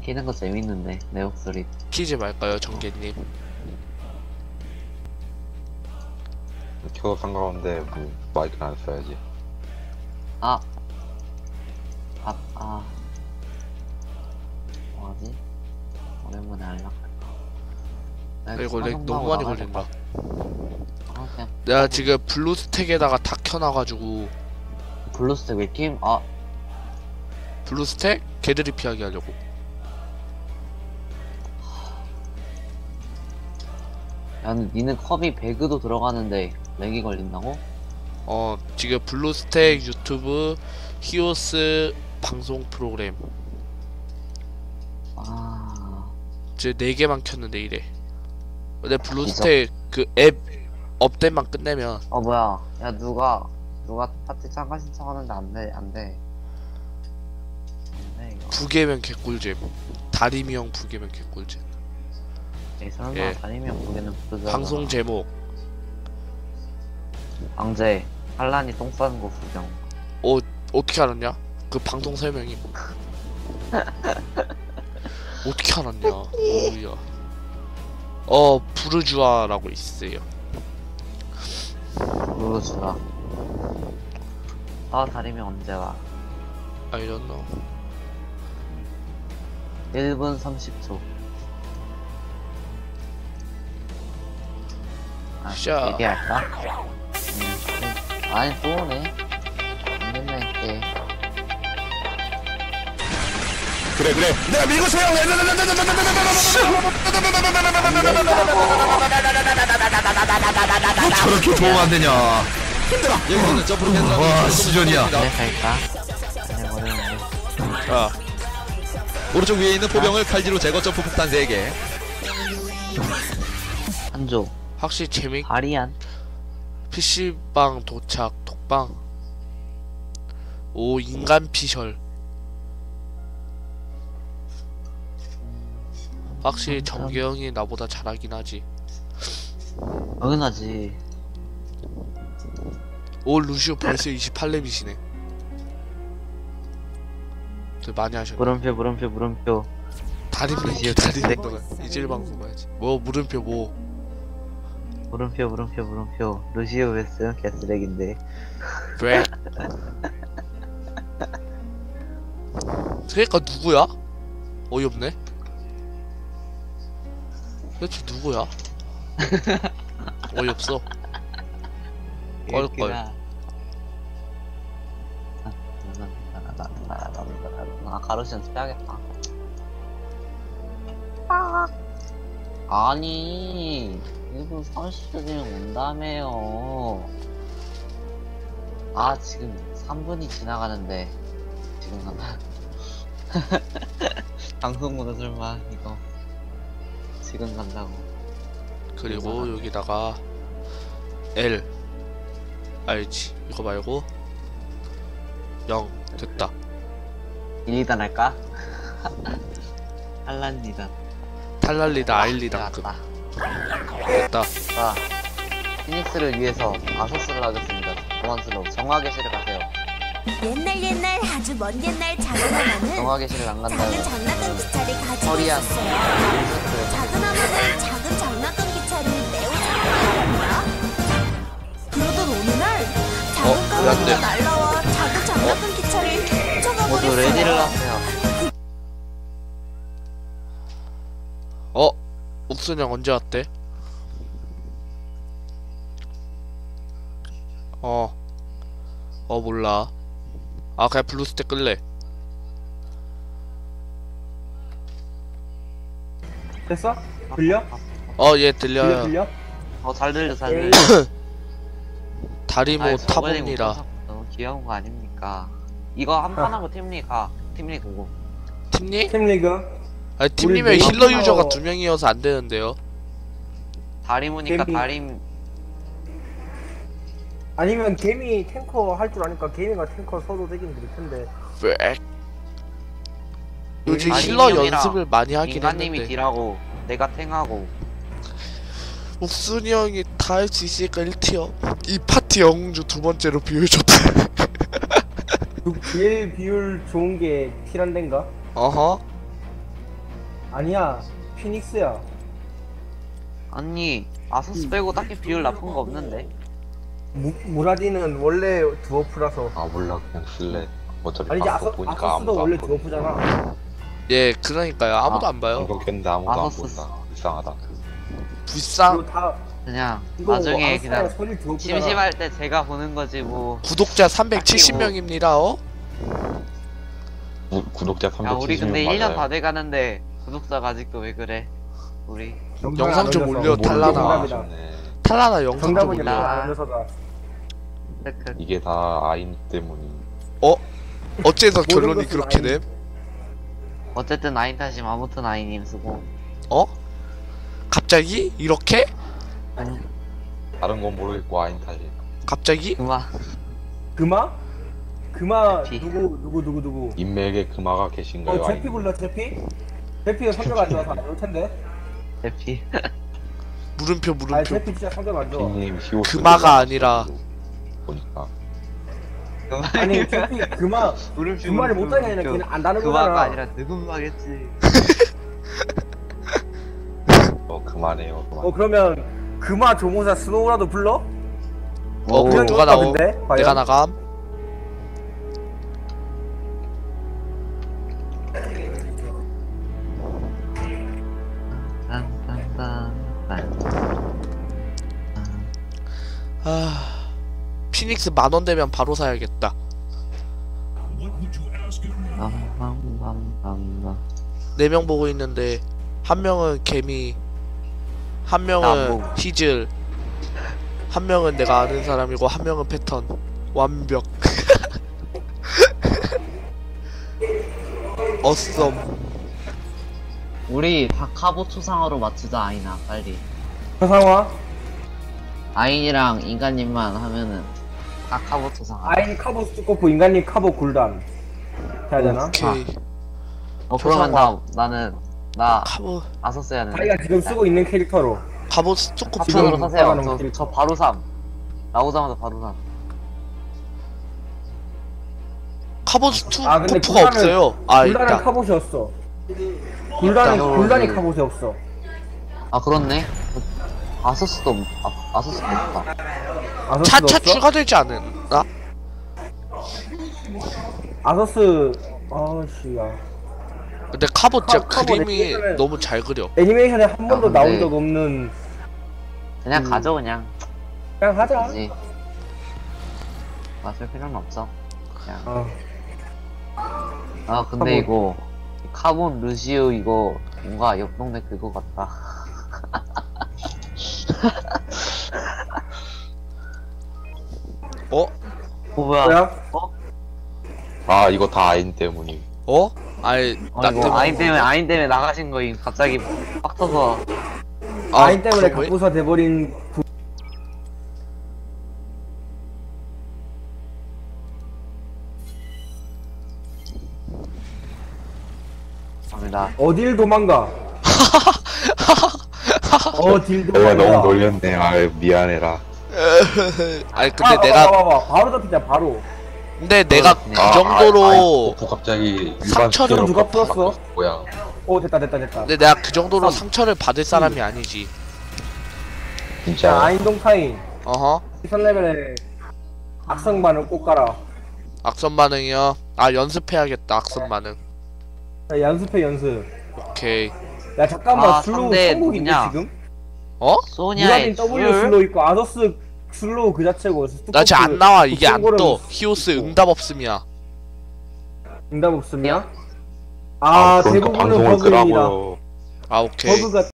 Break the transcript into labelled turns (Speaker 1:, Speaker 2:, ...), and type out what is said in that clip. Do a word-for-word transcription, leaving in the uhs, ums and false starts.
Speaker 1: 키는 거 재밌는데 내 목소리.
Speaker 2: 키지 말까요, 정계님?
Speaker 3: 켜도 상관없는데 뭐 마이크는 안 써야지.
Speaker 1: 아, 아, 아, 뭐하지? 오랜만에 연락할까?
Speaker 2: 이거 렉 너무 많이 걸린다.
Speaker 1: 아, 그냥
Speaker 2: 내가 지금 블루스택에다가 다 켜놔가지고.
Speaker 1: 블루스택 왜 게임? 아,
Speaker 2: 블루스택? 걔들이 피하게 하려고.
Speaker 1: 야, 근데 니는 컵이 배그도 들어가는데 렉이 걸린다고?
Speaker 2: 어, 지금 블루스택 유튜브 히오스 방송 프로그램
Speaker 1: 아,
Speaker 2: 이제 네 개만 켰는데 이래. 근데 블루스택 그 앱 업데이트만 끝내면.
Speaker 1: 어 뭐야? 야 누가 누가 파티 참가 신청하는데 안 돼, 안 돼. 안 돼, 이거.
Speaker 2: 부계면 개꿀잼. 다리미형 부계면 개꿀잼.
Speaker 1: 에이, 설마
Speaker 2: 예.
Speaker 1: 다니면 보기는 부르잖아.
Speaker 2: 방송 제목
Speaker 1: 방제 한란이 똥 싸는 거 구경.
Speaker 2: 어 어떻게 알았냐? 그 방송 설명이 어떻게 알았냐? 오야. 어 부르주아라고 있어요.
Speaker 1: 부르주아. 아 다리면 언제 와?
Speaker 2: I don't know.
Speaker 1: 일 분 삼십 초. 아,
Speaker 2: 샤.
Speaker 1: 얘기할까? 음, 아니 또 오네. 안 된다 했대.
Speaker 4: 그래 그래 내가 밀고 세요. 뭐 저렇게 도움 안 되냐. 힘들어. 여기서는 점프로 된 사람이 와 시전이야.
Speaker 1: 그래 갈까? 아니 모르는데.
Speaker 2: 자
Speaker 4: 오른쪽 위에 있는 포병을 칼질로 제거 점프 폭탄 세 개.
Speaker 1: 한조.
Speaker 2: 확실히 재밌.
Speaker 1: 바리안.
Speaker 2: 피씨방 도착 톡방. 오 인간 피셜. 확실히 정계영이 나보다 잘하긴 하지.
Speaker 1: 당연하지.
Speaker 2: 오 루시오 벌써 이십팔 렙이시네. 되게 많이 하셨네.
Speaker 1: 물음표 물음표 물음표.
Speaker 2: 다리 밀기 다리 밀기 이질 방송 봐야지. 뭐 물음표 뭐.
Speaker 1: 물음표 물음표 물음표. 루시오 웨스는 개쓰레기인데.
Speaker 2: 왜? 그러니까 누구야? 어이없네. 도대체 누구야? 어이없어. 껄껄.
Speaker 1: 아 가로시 연습해야겠다. 아 아니 일 분 삼십 초 뒤면 온다며요. 아 지금 삼 분이 지나가는데 지금 간다. 방송보다 설마 이거 지금 간다고.
Speaker 2: 그리고 여기다가 L 알지? 이거 말고 영 됐다.
Speaker 1: 일, 이단 할까? 한란 이단.
Speaker 2: 탈랄리다 아일리다 급 됐다.
Speaker 1: 자, 피닉스를 위해서 아소스를 하겠습니다. 고만스러워. 정화계실을 가세요.
Speaker 5: 옛날 옛날 아주 먼 옛날 작은 하나는
Speaker 1: 정화계실을 안 간다고.
Speaker 5: 작은 장난감 기차를 가지고
Speaker 1: 허리한.
Speaker 5: 있었어요. 작은 하나는 작은 장난감 기차를 매우 잘합니다. 그러던 어느 날 작은
Speaker 2: 어,
Speaker 5: 까마귀가
Speaker 2: 안 돼.
Speaker 5: 날라와 작은 장난감 기차를
Speaker 1: 모두 레디를
Speaker 5: 훔쳐가버렸어요.
Speaker 1: 하세요.
Speaker 2: 어? 옥순형 언제 왔대? 어. 어 몰라. 아 그냥 블루스택 끌래.
Speaker 6: 됐어? 들려?
Speaker 2: 어 얘
Speaker 6: 들려
Speaker 2: 들려요.
Speaker 6: 들려?
Speaker 1: 어, 잘 들려, 잘
Speaker 6: 에이.
Speaker 1: 들려.
Speaker 2: 다리모
Speaker 1: 아이, 저번에
Speaker 2: 타봅니다.
Speaker 1: 못 너무 귀여운 거 아닙니까? 이거 한 판 하고 팀리 가. 팀리 보고.
Speaker 2: 팀님?
Speaker 6: 팀리그
Speaker 2: 아니 팀님의
Speaker 6: 우리
Speaker 2: 힐러
Speaker 6: 메인
Speaker 2: 유저가
Speaker 6: 힐러-
Speaker 2: 두 명이어서 안 되는데요.
Speaker 1: 다리모니까
Speaker 6: 캠핑.
Speaker 1: 다림.
Speaker 6: 아니면 개미 탱커 할 줄 아니까 개미가 탱커 서도 되긴 될 텐데.
Speaker 2: 왜? 요즘
Speaker 1: 아니,
Speaker 2: 힐러
Speaker 1: 형이랑
Speaker 2: 연습을 많이 하긴
Speaker 1: 인간님이
Speaker 2: 했는데
Speaker 1: 딜하고 내가 탱하고.
Speaker 2: 옥순이 형이 다 할 수 있으니까 일 티어. 이 파티 영웅주 두 번째로 비율줬다.
Speaker 6: 그 제일 비율 좋은 게 티란덴가?
Speaker 2: 어허.
Speaker 6: 아니야 피닉스야.
Speaker 1: 아니 아서스 빼고 딱히 비율 나쁜 거 없는데.
Speaker 6: 무, 무라디는 원래 드워프라서.
Speaker 3: 아 몰라 그냥 쓸래. 어차피
Speaker 6: 아니 이제
Speaker 3: 방송
Speaker 6: 아서,
Speaker 3: 보니까
Speaker 6: 아서스도
Speaker 3: 아무도
Speaker 6: 원래
Speaker 3: 안 보고.
Speaker 6: 드워프잖아.
Speaker 2: 예, 그러니까요. 아무도
Speaker 1: 아,
Speaker 2: 안 봐요.
Speaker 3: 방송 켰는데 아무도 안
Speaker 1: 아서스.
Speaker 3: 본다. 불쌍하다.
Speaker 2: 불쌍.
Speaker 6: 이거 다
Speaker 1: 그냥
Speaker 6: 이거
Speaker 1: 나중에
Speaker 6: 아서스랑
Speaker 1: 그냥
Speaker 6: 소리 드워프잖아.
Speaker 1: 심심할 때 제가 보는 거지 뭐.
Speaker 2: 구독자 삼백칠십 명입니다. 어?
Speaker 3: 구, 구독자
Speaker 1: 야
Speaker 3: 삼백칠십 명
Speaker 1: 우리 근데
Speaker 3: 맞아요.
Speaker 1: 일 년 다 돼가는데 구독자가 아직도 왜 그래? 우리
Speaker 2: 영상 좀 올려,
Speaker 3: 뭘
Speaker 2: 탈라나.
Speaker 3: 너무 아쉽네.
Speaker 2: 탈라나 영상 좀
Speaker 6: 정답은
Speaker 2: 올려.
Speaker 6: 안 올려서다.
Speaker 1: 크크.
Speaker 3: 이게 다 아인 때문이.
Speaker 2: 어? 어째서
Speaker 6: 모든
Speaker 2: 결론이
Speaker 6: 것은
Speaker 2: 그렇게
Speaker 6: 아인.
Speaker 2: 됨?
Speaker 1: 어쨌든 아인 탓임 아무튼 아이님 쓰고.
Speaker 2: 어? 갑자기? 이렇게?
Speaker 1: 아니
Speaker 3: 다른 건 모르겠고 아인 탓이.
Speaker 2: 갑자기?
Speaker 1: 그만.
Speaker 6: 금화? 금화
Speaker 1: 제피.
Speaker 6: 누구 누구 누구 누구?
Speaker 3: 인맥에 금화가 계신가요?
Speaker 6: 어 제피 불러 제피? 제피가 성적 안 좋아서 안 올 텐데.
Speaker 1: 대피.
Speaker 2: 물음표
Speaker 6: 아니
Speaker 2: 물음표.
Speaker 6: 제피 진짜 성적 안 좋아.
Speaker 3: 님 히오스
Speaker 2: 금화가 아니라.
Speaker 3: 보니까
Speaker 6: 아니 제피 금화
Speaker 1: 물음표.
Speaker 6: 금화를 못하게 아니라 걔는 안다는
Speaker 1: 그마가
Speaker 6: 거잖아.
Speaker 1: 아니라 느금마겠지.
Speaker 3: 어 그만해요 그만.
Speaker 6: 어 그러면 금화 조모사 스노우라도 불러?
Speaker 2: 어, 그럼
Speaker 6: 그냥
Speaker 2: 누가
Speaker 6: 좋다,
Speaker 2: 나오?
Speaker 6: 근데? 과연?
Speaker 2: 내가 나감? 아, 피닉스 만원 되면 바로 사야겠다. 네 명 보고 있는데 한 명은 개미, 한
Speaker 1: 나안
Speaker 2: 명은
Speaker 1: 보고.
Speaker 2: 히즐, 한 명은 내가 아는 사람이고 한 명은 패턴. 완벽. 어썸.
Speaker 1: 우리 다 카보 초상화로 맞추자 아이나 빨리.
Speaker 6: 서상화?
Speaker 1: 아인이랑 인간님만 하면은 다 카보 초상화.
Speaker 6: 아인 카보 스코프 인간님 카보 굴단 해야 되나?
Speaker 2: 오케이.
Speaker 1: 어 그러면 나 나는 나
Speaker 2: 카보
Speaker 1: 아서스 해야 되는데.
Speaker 6: 자기가 지금 쓰고 있는 캐릭터로.
Speaker 2: 카보 스토코프.
Speaker 1: 합천으로
Speaker 6: 지금
Speaker 1: 사세요.
Speaker 6: 나가는
Speaker 1: 저,
Speaker 6: 길.
Speaker 1: 저 바로 삼. 나오자마자 바로 삼.
Speaker 2: 카보 스토코프가
Speaker 6: 아, 근데 굴단은-
Speaker 2: 없어요. 아
Speaker 6: 굴단은
Speaker 2: 있다.
Speaker 6: 카봇이었어. 굴단은
Speaker 1: 있다.
Speaker 6: 굴단이
Speaker 1: 그-
Speaker 6: 카봇이 없어.
Speaker 1: 아 그렇네. 아서스도 없- 아, 아서스도 없다.
Speaker 6: 아서스도
Speaker 2: 차차
Speaker 6: 없어?
Speaker 2: 추가되지 않았나?
Speaker 6: 아서스 아씨야.
Speaker 2: 근데 카보 진짜
Speaker 6: 카- 카보
Speaker 2: 그림이
Speaker 6: 애니메이션을-
Speaker 2: 너무 잘 그려.
Speaker 6: 애니메이션에 한 번도
Speaker 1: 근데-
Speaker 6: 나온 적 없는.
Speaker 1: 그냥
Speaker 6: 음.
Speaker 1: 가져 그냥.
Speaker 6: 그냥 하자.
Speaker 1: 그지. 맞을 필요는 없어. 그냥.
Speaker 6: 어.
Speaker 1: 아 근데
Speaker 6: 카본.
Speaker 1: 이거 카본 루시오 이거 뭔가 옆 동네 그거 같다.
Speaker 2: 어?
Speaker 1: 어 뭐야?
Speaker 6: 뭐야?
Speaker 3: 아 이거 다 아인 때문이.
Speaker 2: 어? 아이
Speaker 1: 어,
Speaker 2: 나
Speaker 1: 이거
Speaker 2: 때문에.
Speaker 1: 아인 때문에 아인 때문에 나가신 거임. 갑자기 빡 터서.
Speaker 2: 아,
Speaker 6: 아인 때문에
Speaker 2: 그거 왜-
Speaker 6: 갑부사 돼버린 부...
Speaker 1: 갑니다.
Speaker 6: 어딜 도망가? 어딜
Speaker 3: 내가
Speaker 6: 도망가?
Speaker 3: 너무 놀렸네. 아 미안해라.
Speaker 2: 아니 근데
Speaker 6: 아,
Speaker 2: 내가
Speaker 6: 봐봐, 봐봐. 바로 잡히자 바로.
Speaker 2: 근데 내가
Speaker 1: 그렇네.
Speaker 2: 그
Speaker 3: 아,
Speaker 2: 정도로
Speaker 3: 아인 버프 갑자기 일반
Speaker 2: 상처를
Speaker 3: 스킬로
Speaker 6: 누가
Speaker 3: 버프
Speaker 6: 풀었어?
Speaker 3: 바꿨어. 뭐야?
Speaker 6: 오 됐다 됐다 됐다.
Speaker 2: 근데 내가 그 정도로
Speaker 6: 삼.
Speaker 2: 상처를 받을 사람이 아니지.
Speaker 6: 자
Speaker 3: 진짜.
Speaker 6: 아인동 타임.
Speaker 2: 어허.
Speaker 6: 선 레벨에 악성반을 꼭 깔아.
Speaker 2: 악선 반응이요. 아 연습해야겠다. 악선 반응.
Speaker 6: 자, 연습해 연습.
Speaker 2: 오케이.
Speaker 6: 야 잠깐만
Speaker 1: 아,
Speaker 6: 슬로우
Speaker 1: 상대
Speaker 6: 천국인데
Speaker 1: 누구냐?
Speaker 6: 지금?
Speaker 2: 어?
Speaker 1: 소니아의
Speaker 6: 무라딘 W
Speaker 1: 술.
Speaker 6: 슬로우 있고 아서스 슬로우 그 자체고.
Speaker 2: 나 지금 안 나와. 이게 안
Speaker 6: 독성고름
Speaker 2: 떠. 히오스 응답 없음이야.
Speaker 6: 응답 없음이야? 아,
Speaker 3: 그러니까
Speaker 6: 대부분은
Speaker 3: 방송을
Speaker 6: 버그입니다.
Speaker 3: 끄라고요.
Speaker 2: 아 오케이.
Speaker 6: 버그가